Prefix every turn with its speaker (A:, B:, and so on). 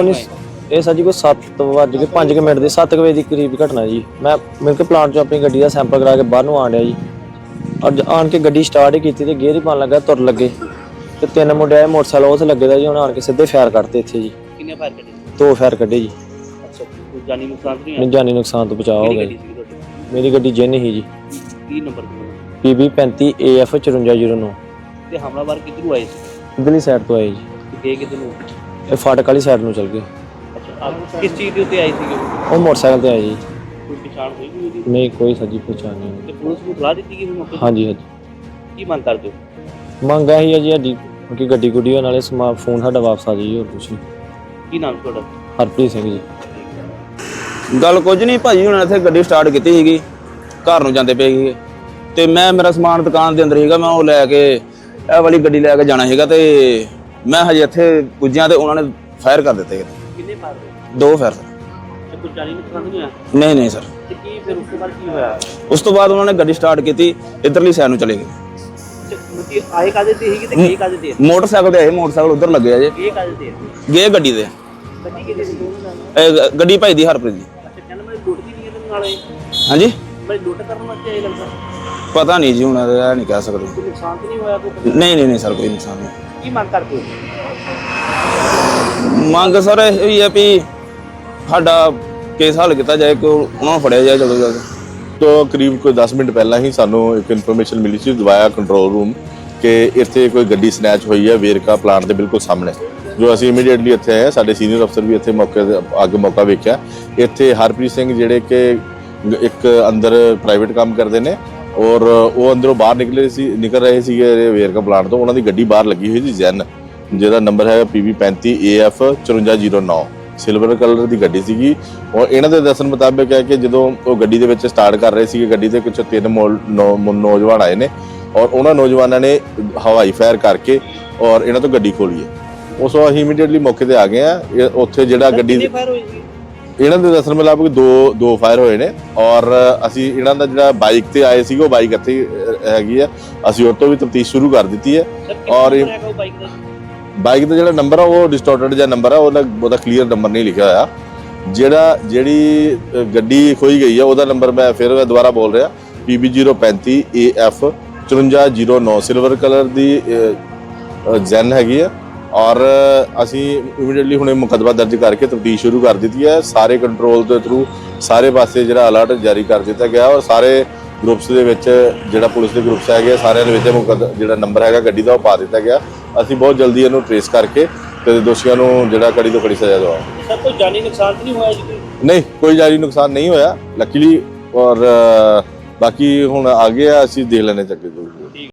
A: नहीं ये सर जी कोई 7:05 मिनट के 7 बजे के करीब घटना जी। मैं मिल के प्लांट चो अपनी गड्डी का सैंपल करा के बाहर आन डया जी और आन के गड्डी स्टार्ट ही की तो गेयर ही पान लगा तुर लगे तो 3 मुंडे आए मोटरसाइकिल उस लगे दा जी उन्हें आन के सीधे फायर कटते इत्थे जी।
B: कितने फायर कटे?
A: 2 फायर कटे जी।
B: अच्छा कोई जानी नुकसान तो नहीं
A: नहीं जानी नुकसान तो बचाव हो गया जी। मेरी गड्डी जिन ही जी
B: की नंबर
A: PB 35 AF 5409
B: ਤੇ ਹਮਲਾਵਰ ਕਿੱਧਰੋਂ ਆਏ ਸੀ?
A: इधरली साइड तो आए जी।
B: ਗਏ ਕਿੱਧਰ ਨੂੰ?
A: ये फाटक वाली साइड में चल गए।
B: ਅੱਛਾ ਆਪ ਕਿਸ ਚੀਜ਼ ਦੇ ਉੱਤੇ ਆਏ ਸੀਗੇ?
A: वो मोटरसाइकिल से आए जी।
B: ਕੋਈ ਪਛਾਣ ਹੋਈ ਵੀ ਉਹਦੀ?
A: नहीं कोई सजी पहचान नहीं।
B: ਤੇ ਪੁਲਿਸ ਨੂੰ ਸਲਾਹ ਦਿੱਤੀ ਗਈ ਵੀ ਮੌਕੇ
A: हाँ जी हाँ जी
B: ਕੀ ਮੰਗ ਕਰਦੇ ਹੋ?
A: ਮੰਗ ਇਹੀ ਹੈ ਜੀ ਸਾਡੀ ਕਿ ਗੱਡੀ ਗੁੱਡੀ ਨਾਲੇ ਫੋਨ ਸਾਡਾ ਵਾਪਸ ਆ ਜਾਈ ਹੋਰ ਕੁਛ ਨਹੀਂ।
B: ਕੀ ਨਾਮ ਤੁਹਾਡਾ?
A: ਹਰਪ੍ਰੀਤ ਸਿੰਘ ਜੀ।
C: ਗੱਲ ਕੁਝ ਨਹੀਂ ਭਾਜੀ, ਹੁਣ ਇੱਥੇ ਗੱਡੀ ਸਟਾਰਟ ਕੀਤੀ ਸੀਗੀ, ਘਰ ਨੂੰ ਜਾਂਦੇ ਪਏ ਸੀਗੇ ਤੇ ਮੇਰਾ ਸਮਾਨ ਦੁਕਾਨ ਦੇ ਅੰਦਰ ਸੀਗਾ, ਮੈਂ ਉਹ ਲੈ ਕੇ ਇਹ ਵਾਲੀ ਗੱਡੀ ਲੈ ਕੇ ਜਾਣਾ ਸੀਗਾ ਤੇ ਮੈਂ ਹਜੇ ਇੱਥੇ ਪੁੱਜਿਆ ਤੇ ਉਹਨਾਂ ਨੇ ਫਾਇਰ ਕਰ ਦਿੱਤੇ।
B: ਕਿੰਨੇ ਫਾਇਰ ਹੋਏ?
C: 2 ਫਾਇਰ।
B: ਤੇ ਕੋਈ ਜਾਨੀ ਨੁਕਸਾਨ ਨਹੀਂ ਹੋਇਆ?
C: ਨਹੀਂ ਸਰ।
B: ਤੇ ਕੀ ਫਿਰ ਉਸ ਤੋਂ ਬਾਅਦ ਕੀ ਹੋਇਆ?
C: ਉਸ ਤੋਂ ਬਾਅਦ ਉਹਨਾਂ ਨੇ ਗੱਡੀ ਸਟਾਰਟ ਕੀਤੀ, ਇੱਧਰਲੀ ਸਾਈਡ ਨੂੰ ਚਲੇ ਗਏ।
B: ਮੁੱਤੀ ਆਏ ਕਾਦੇ ਤੇ ਸੀਗੀ ਤੇ ਗਏ ਕਾਦੇ ਤੇ?
C: ਮੋਟਰਸਾਈਕਲ ਤੇ ਆਏ, ਮੋਟਰਸਾਈਕਲ ਉੱਧਰ ਲੱਗੇ ਆ ਜੇ।
B: ਗਏ ਕਾਦੇ ਤੇ?
C: ਗਏ ਗੱਡੀ ਦੇ।
B: ਗੱਡੀ ਕਿਹਦੇ ਸੀ? ਦੋਨੋਂ ਨਾਲ?
C: ਗੱਡੀ ਭਾਈ ਦੀ ਹਰਪ੍ਰੀਤ ਦੀ।
B: ਅੱਛਾ ਕਹਿੰਦਾ ਮੈਂ ਲੁੱਟ ਦੀ ਨਹੀਂ ਇਹਦੇ ਨਾਲ ਆਏ?
C: ਹਾਂਜੀ
B: ਮੈਂ ਲੁੱਟ ਕਰਨ ਵਾਸਤੇ ਆਏ ਲੱਗਦਾ।
C: ਪਤਾ ਨਹੀਂ ਜੀ, ਹੁਣ ਇਹ ਨਹੀਂ ਕਹਿ ਸਕਦੇ।
B: ਕੋਈ ਨੁਕਸਾਨ ਤਾਂ ਨਹੀਂ ਹੋਇਆ ਕੋਈ?
C: ਨਹੀਂ ਸਰ, ਕੋਈ ਨੁਕਸਾਨ ਨਹੀਂ।
B: ਕੀ ਮੰਗ ਕਰਦੇ ਹੋ?
C: ਮੰਗ ਸਰ ਇਹ ਹੀ ਹੈ ਵੀ ਸਾਡਾ ਕੇਸ ਹੱਲ ਕੀਤਾ ਜਾਏ, ਕਿ ਉਹਨਾਂ ਨੂੰ ਫੜਿਆ ਜਾਏ ਜਲਦੀ ਜਲਦੀ।
D: तो करीब कोई 10 मिनट पहला ही सानू एक इन्फॉर्मेशन मिली सी दवाया कंट्रोल रूम कि इत्थे कोई गड्डी स्नैच हुई है वेरका प्लांट के बिल्कुल सामने। जो असीं इमीडिएटली इत्थे आए, साडे सीनियर अफसर भी इत्थे मौके आगे मौका वेख्या। इत्थे हरप्रीत सिंह जिहड़े कि एक अंदर प्राइवेट काम करते हैं और वो अंदरों बाहर निकल रहे थे वेरका प्लांट तो उन्होंने गड्डी बाहर लगी हुई थी जैन, जिहदा नंबर है PB 35 AF 5409 सिल्वर कलर की गड्डी सीगी। और इन्हों के दसन मुताबिक है कि जो वो गड्डी के स्टार्ट कर रहे थे, गड्डी के कुछ 3 नौजवान आए ने और उन्होंने नौजवानों ने हवाई फायर करके और इन्हों तो गड्डी खोली है। उस असीं इमीडिएटली मौके पर आ गए हैं। उत्थे जिहड़ा गड्डी इन्हों के दसन मुताबिक दो फायर होए ने और असीं इन्हों का जिहड़ा बाइक ते आए सी, वो बाइक इत्थे हैगी है, असीं उस तो भी तफ्तीश शुरू कर दी है। और बाइक का जो नंबर है वो डिस्टोर्टेड जो नंबर है, वो क्लीयर नंबर नहीं लिखा होया। जिहड़ी गड्डी खोई गई है वह नंबर मैं फिर दोबारा बोल रहा PB 035 AF 5409 सिल्वर कलर की जैन हैगी है। और असी इमीडिएटली हुणे मुकदमा दर्ज करके तफ्तीश शुरू कर दी है। सारे कंट्रोल के थ्रू सारे पासे जिहड़ा अलर्ट जारी कर दिता गया और सारे ग्रुप्स के जिहड़ा पुलिस के ग्रुप्स है सारे जिहड़ा नंबर है गड्डी का वो पा दिता गया। ਅਸੀਂ बहुत जल्दी इन्हू ट्रेस करके ਤੇ ਦੋਸ਼ੀਆਂ ਨੂੰ ਜਿਹੜਾ ਕੜੀ ਤੋਂ ਕੜੀ ਸਜ਼ਾ ਦਵਾਵਾਂਗੇ।
B: ਸਰ ਕੋਈ ਜਾਨੀ ਨੁਕਸਾਨ ਤਾਂ ਨਹੀਂ ਹੋਇਆ ਜੀ?
D: ਨਹੀਂ ਕੋਈ ਜਾਨੀ ਨੁਕਸਾਨ ਨਹੀਂ ਹੋਇਆ ਲੱਕੀਲੀ। ਔਰ ਬਾਕੀ ਹੁਣ ਆ ਗਿਆ, ਅਸੀਂ ਦੇਖ ਲੈਣੇ ਚੱਕੇ ਜੋ